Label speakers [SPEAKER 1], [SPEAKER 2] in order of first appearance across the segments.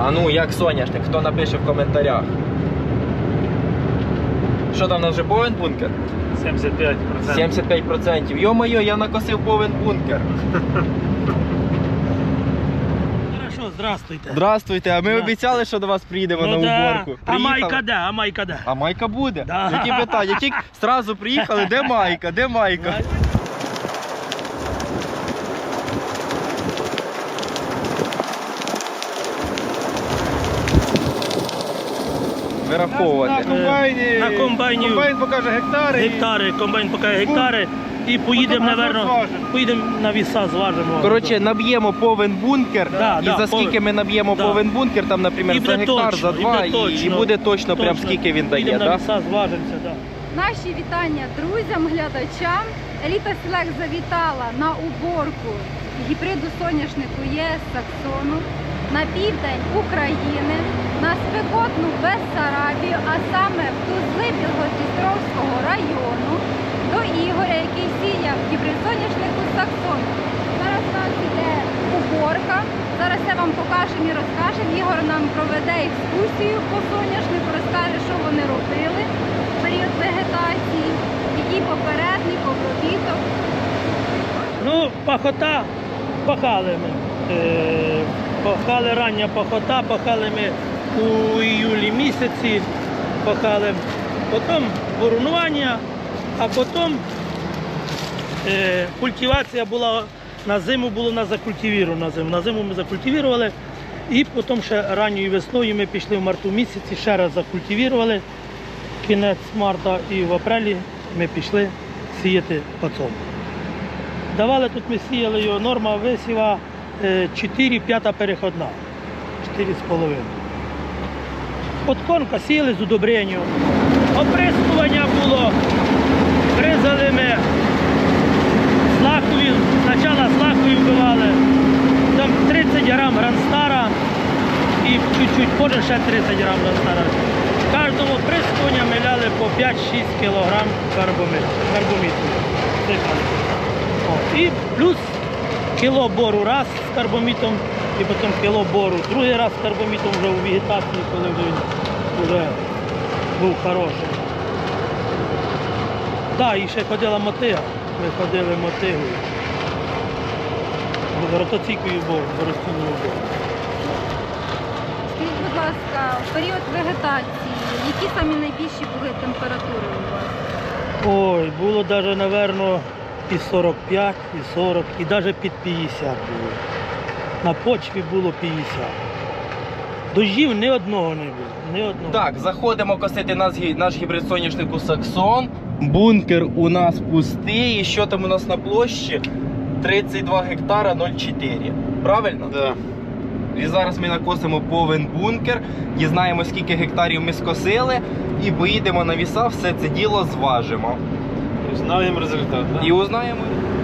[SPEAKER 1] А ну, як соняшник, хто напише в коментарях. Що там у нас вже повен бункер?
[SPEAKER 2] 75%.
[SPEAKER 1] 75%. Йо-моє, я накосив повен бункер.
[SPEAKER 2] Хорошо, здравствуйте.
[SPEAKER 1] Здравствуйте, а ми обіцяли, що до вас приїдемо на уборку.
[SPEAKER 2] А майка де? А майка де?
[SPEAKER 1] А майка буде?
[SPEAKER 2] Да.
[SPEAKER 1] Які питання? Тільки одразу приїхали, де майка? Де майка? Вираховувати.
[SPEAKER 2] На комбайні. На комбайні.
[SPEAKER 3] Комбайн покаже гектари.
[SPEAKER 2] Гектари, комбайн покаже гектари. І поїдемо, напевно, поїдемо на віса, зважимо.
[SPEAKER 1] Коротше, наб'ємо повен бункер,
[SPEAKER 2] Да,
[SPEAKER 1] і
[SPEAKER 2] да,
[SPEAKER 1] за скільки ми наб'ємо
[SPEAKER 2] да.
[SPEAKER 1] повен бункер, там, наприклад,
[SPEAKER 2] І
[SPEAKER 1] за
[SPEAKER 2] буде
[SPEAKER 1] гектар,
[SPEAKER 2] точно,
[SPEAKER 1] за два,
[SPEAKER 2] і буде
[SPEAKER 1] і
[SPEAKER 2] точно.
[SPEAKER 1] буде точно, прям скільки він дає,
[SPEAKER 2] Поїдемо на
[SPEAKER 1] так?
[SPEAKER 2] віса, зважимося, так.
[SPEAKER 4] Наші вітання друзям, глядачам. Еліта Селект завітала на уборку гібриду соняшнику ЄС Саксону на південь України, на спекотну Бессарабію, а саме в Тузли Білгород-Дністровського району, до Ігоря, який сіяв гібрид соняшнику Саксону. Зараз у нас іде уборка. Зараз я вам покажемо і розкажемо. Ігор нам проведе екскурсію по соняшнику, розкаже, що вони робили в період вегетації, який попередник, обробіток.
[SPEAKER 2] Ну, пахота пахали ми. Пахали рання пахота, пахали ми у іюлі місяці, пахали. Потім бурунування, а потім культивація була, на зиму було на закультивіру. На зиму ми закультивірували. І потім ще ранньою весною ми пішли в марту місяці, ще раз закультивірували. Кінець марта і в апрелі ми пішли сіяти пацом. Давали тут, ми сіяли його, норма висіва 4, 5 переходна, 4,5. Подкормка сіяли з удобренням. Оприскування було, бризали ми злакові, спочатку злакові вбивали, там 30 грам гранстара і чуть-чуть позже ще 30 грам гранстара. Кожному оприскування ми ляли по 5-6 кг карбоміту. І плюс кіло бору раз з карбомітом, і потім кіло бору другий раз з карбомітом вже у вегетації, коли вже був хороший. Так, і ще ходила мотига. Ми ходили мотигою. Ротоційкою боростійною бору.
[SPEAKER 4] Скажіть, будь ласка, в період вегетації, які самі найбільші були температури у вас?
[SPEAKER 2] Ой, було навіть, напевно, і 45, і 40, і навіть під 50 було. На почві було 50. Дощів ні одного не було. Ні одного.
[SPEAKER 1] Так, заходимо косити наш гібрид соняшнику Саксон. Бункер у нас пустий. І що там у нас на площі? 32 гектара 0,4. Правильно?
[SPEAKER 3] Да.
[SPEAKER 1] І зараз ми накосимо повен бункер, дізнаємо, скільки гектарів ми скосили, і поїдемо на віса, все це діло зважимо.
[SPEAKER 3] І знаємо результат, да?
[SPEAKER 1] І узнаємо.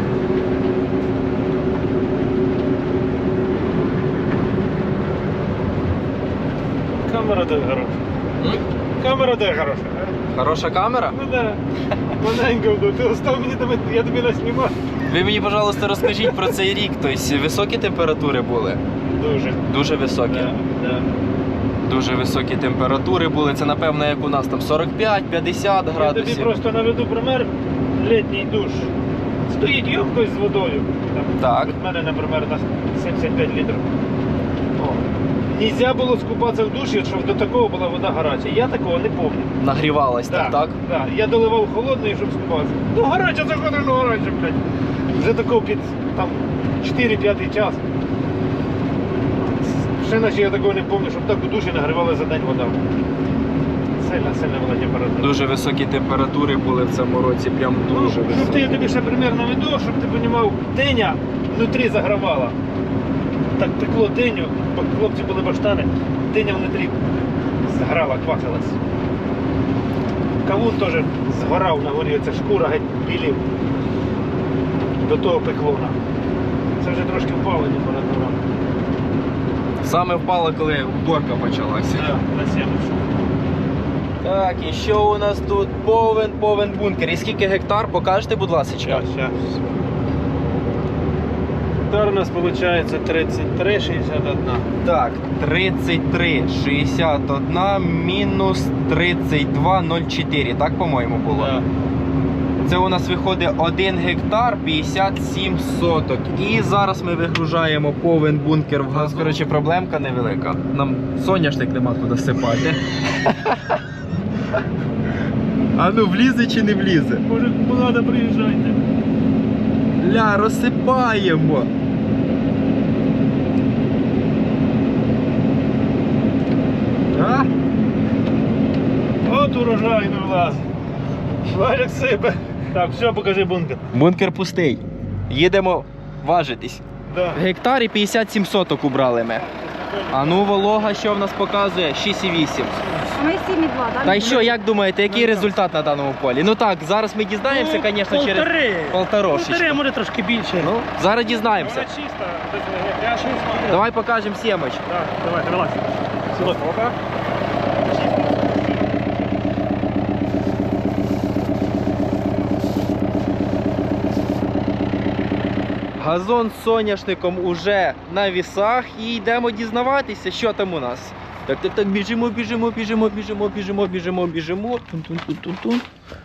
[SPEAKER 3] Камера де хороша. Камера де хороша.
[SPEAKER 1] Хороша камера?
[SPEAKER 3] Ну да. Маленько, ти остав мені, я тобі наснімав.
[SPEAKER 1] Ви мені, пожалуйста, розкажіть про цей рік. Тобто високі температури були?
[SPEAKER 3] Дуже.
[SPEAKER 1] Дуже високі.
[SPEAKER 3] Да.
[SPEAKER 1] Дуже високі температури були. Це, напевно, як у нас там 45-50
[SPEAKER 3] Я тобі
[SPEAKER 1] градусів.
[SPEAKER 3] просто наведу пример. Літній душ. Стоїть ємкость з водою.
[SPEAKER 1] Так.
[SPEAKER 3] Від мене, наприклад, на 75 літрів. Нельзя було скупатися в душі, щоб до такого була вода гаряча. Я такого не пам'ятаю.
[SPEAKER 1] Нагрівалась, так?
[SPEAKER 3] Да. Я доливав холодної, щоб скупатися. Ну гаряча, заходиш, ну гаряча, блядь. Вже такого під там 4-5 час. Ще наче я такого не пам'ятаю, щоб так у душі нагрівали за день вода. Сильна була температура.
[SPEAKER 1] Дуже високі температури були в цьому році, прям дуже
[SPEAKER 3] Щоб
[SPEAKER 1] високі.
[SPEAKER 3] я тобі ще примірно веду, щоб ти розумів, диня внутрі загравала. Так пекло диню, бо хлопці були баштани, диня внутрі зграла, квасилась. Кавун теж згорав на горі, оця шкура геть білів до того пеклона. Це вже трошки впало температура.
[SPEAKER 1] Саме впало, коли уборка почалася.
[SPEAKER 3] Так, на 70.
[SPEAKER 1] Так, і що у нас тут? Повен бункер. І скільки гектар? Покажете, будь ласка.
[SPEAKER 3] Щас. гектар у нас виходить 33,61.
[SPEAKER 1] Так, 33,61 мінус 32,04, так, по-моєму, було?
[SPEAKER 3] Да.
[SPEAKER 1] Це у нас виходить 1 гектар 57 соток. І зараз ми вигружаємо повен бункер в газ. Коротше, проблемка невелика. Нам соняшник нема куди сипати. А ну, влізе чи не влізе?
[SPEAKER 3] Може, кому треба, приїжджайте.
[SPEAKER 1] Ля, розсипаємо. А?
[SPEAKER 3] От урожай не влазить. Валік сипе. Так, все, покажи бункер.
[SPEAKER 1] Бункер пустий. Їдемо важитись.
[SPEAKER 3] Да.
[SPEAKER 1] В гектарі 57 соток убрали ми. А ну, волога, що в нас показує? 6,8.
[SPEAKER 4] Ми 7,2, так?
[SPEAKER 1] Та й що, як думаєте, який результат на даному полі? Ну так, зараз ми дізнаємося, звісно, через полторашечку.
[SPEAKER 2] Полтори, може трошки більше.
[SPEAKER 1] Ну, зараз дізнаємося.
[SPEAKER 3] Чисто, без гряшки.
[SPEAKER 1] Давай покажемо сімоч.
[SPEAKER 3] Так, давай, вилазь. Сюди, опа.
[SPEAKER 1] Газон з соняшником уже на вісах і йдемо дізнаватися, що там у нас. Так, біжимо. Тун-тун-тун-тун.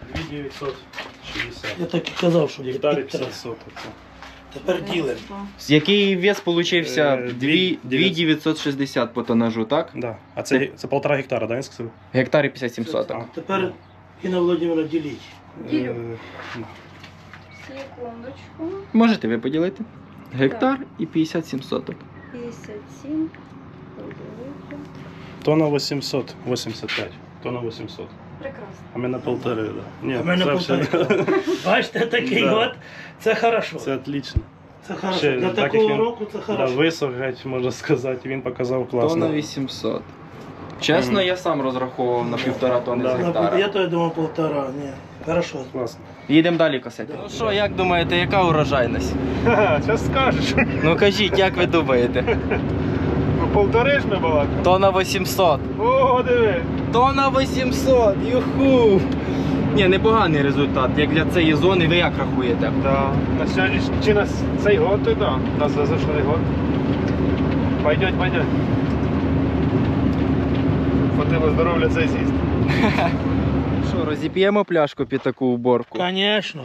[SPEAKER 3] 2960.
[SPEAKER 2] Я так і казав, що
[SPEAKER 3] Гектарі
[SPEAKER 2] під
[SPEAKER 3] 50 соток.
[SPEAKER 2] Тепер ділимо.
[SPEAKER 1] Який вес получився?
[SPEAKER 3] 2960.
[SPEAKER 1] 2960 по тонажу, так?
[SPEAKER 3] Да. А це 1,5 гектара, да, я сказав?
[SPEAKER 1] В гектарі 57 соток.
[SPEAKER 2] Тепер Інна Володимира діліть.
[SPEAKER 4] Ділю.
[SPEAKER 3] Ну.
[SPEAKER 4] Секундочку.
[SPEAKER 1] Можете ви поділити? Гектар і 57 соток.
[SPEAKER 4] 57. Поділити.
[SPEAKER 3] Тонна 885. Тонна 800.
[SPEAKER 4] Прекрасно.
[SPEAKER 3] А ми на полтори, да. Ні,
[SPEAKER 2] А в мене
[SPEAKER 3] це
[SPEAKER 2] полтори. Бачите, такий
[SPEAKER 3] Да.
[SPEAKER 2] от. Це хорошо.
[SPEAKER 3] Це отлично.
[SPEAKER 2] Це хорошо.
[SPEAKER 3] Ще,
[SPEAKER 2] Для
[SPEAKER 3] так як
[SPEAKER 2] такого
[SPEAKER 3] він,
[SPEAKER 2] року це
[SPEAKER 3] Да,
[SPEAKER 2] хорошо.
[SPEAKER 3] висох, геть, можна сказати, він показав класно.
[SPEAKER 1] Тонна 800. Чесно, я сам розраховував на 1,5 тонни
[SPEAKER 3] Да.
[SPEAKER 1] з гектара.
[SPEAKER 2] Я то я думав полтора. Ні. Хорошо.
[SPEAKER 3] Класно.
[SPEAKER 1] Їдемо далі косити. Ну що, як думаєте, яка урожайність?
[SPEAKER 3] Ха-ха, зараз скажеш.
[SPEAKER 1] Ну кажіть, як ви думаєте?
[SPEAKER 3] Ну, полтори ж ми балакали.
[SPEAKER 1] Тонна 800.
[SPEAKER 3] О, диви.
[SPEAKER 1] Тонна 800, юху! Ні, непоганий результат, як для цієї зони, ви як рахуєте?
[SPEAKER 3] Да. На сьогодні чи на цей год, то да. На зазашлий год. Пойдет. Хватило здоров'я цей з'їсти.
[SPEAKER 1] Що, розіп'ємо пляшку під таку уборку?
[SPEAKER 2] Звісно.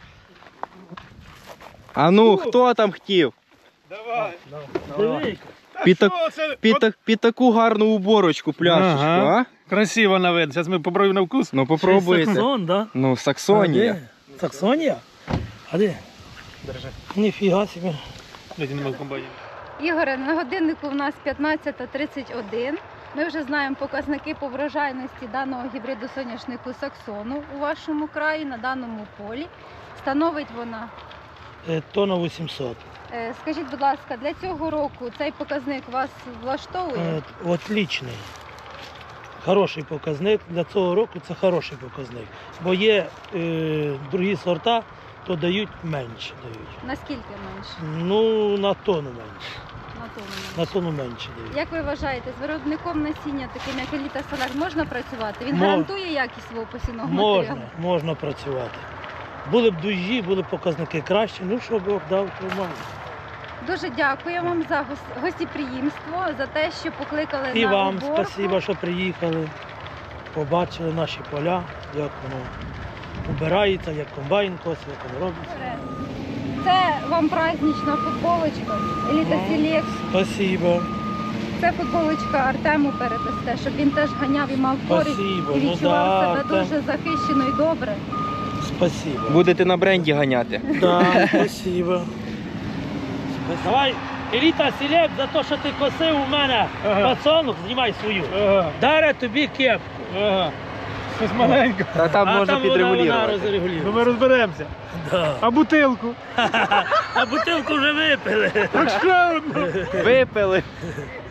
[SPEAKER 1] А ну, хто там хотів?
[SPEAKER 3] Давай.
[SPEAKER 2] Диви.
[SPEAKER 1] Під таку гарну уборочку пляшечку,
[SPEAKER 3] Ага.
[SPEAKER 1] а?
[SPEAKER 3] Красиво на вид. Зараз ми попробуємо на вкус.
[SPEAKER 1] Ну попробуйте.
[SPEAKER 2] Саксон, да?
[SPEAKER 1] Ну, Саксонія.
[SPEAKER 2] А де? Саксонія? А де?
[SPEAKER 3] Держи.
[SPEAKER 2] Ніфіга собі.
[SPEAKER 3] Дайте в комбайні.
[SPEAKER 4] Ігоре, на годиннику в нас 15:31. Ми вже знаємо показники по врожайності даного гібриду соняшнику Саксону у вашому краї, на даному полі. Становить вона.
[SPEAKER 2] Тонна 800.
[SPEAKER 4] Скажіть, будь ласка, для цього року цей показник вас влаштовує?
[SPEAKER 2] Отличний. Хороший показник. Для цього року це хороший показник. Бо є другі сорта, то дають менше.
[SPEAKER 4] Наскільки менше?
[SPEAKER 2] Ну, на тонну менше.
[SPEAKER 4] На тонну менше.
[SPEAKER 2] На тонну менше дають.
[SPEAKER 4] Як ви вважаєте, з виробником насіння, таким як Еліта Селект, можна працювати? Він
[SPEAKER 2] Мож-
[SPEAKER 4] гарантує якість свого посівного матеріалу?
[SPEAKER 2] Можна працювати. Були б дужі, були б показники кращі, ну що Бог дав, то мав.
[SPEAKER 4] Дуже дякую вам за гостеприємство, за те, що покликали
[SPEAKER 2] І
[SPEAKER 4] на
[SPEAKER 2] вам
[SPEAKER 4] уборку.
[SPEAKER 2] спасибо, що приїхали, побачили наші поля, як воно убирається, як комбайн косить, як воно робиться.
[SPEAKER 4] Це вам празднична футболочка Еліта Селект.
[SPEAKER 2] Спасибо.
[SPEAKER 4] Це футболочка Артему передасте, щоб він теж ганяв і мав користь
[SPEAKER 2] Спасибо.
[SPEAKER 4] і
[SPEAKER 2] Ну
[SPEAKER 4] відчував
[SPEAKER 2] да,
[SPEAKER 4] себе
[SPEAKER 2] Артем.
[SPEAKER 4] дуже захищено і добре.
[SPEAKER 2] Спасибо.
[SPEAKER 1] Будете на бренді ганяти.
[SPEAKER 2] Да, спасибо. Давай, Еліта Селект, за те, що ти косив у мене пацанок, знімай свою.
[SPEAKER 3] Ага.
[SPEAKER 2] Даре тобі кепку.
[SPEAKER 3] Ага. Щось маленьке.
[SPEAKER 1] Та там можна
[SPEAKER 2] вона
[SPEAKER 1] підрегулювати.
[SPEAKER 2] розрегулює.
[SPEAKER 3] Ну ми розберемося.
[SPEAKER 2] Да.
[SPEAKER 3] А бутилку?
[SPEAKER 2] А бутилку вже випили.
[SPEAKER 3] Так ще одну.
[SPEAKER 1] Випили.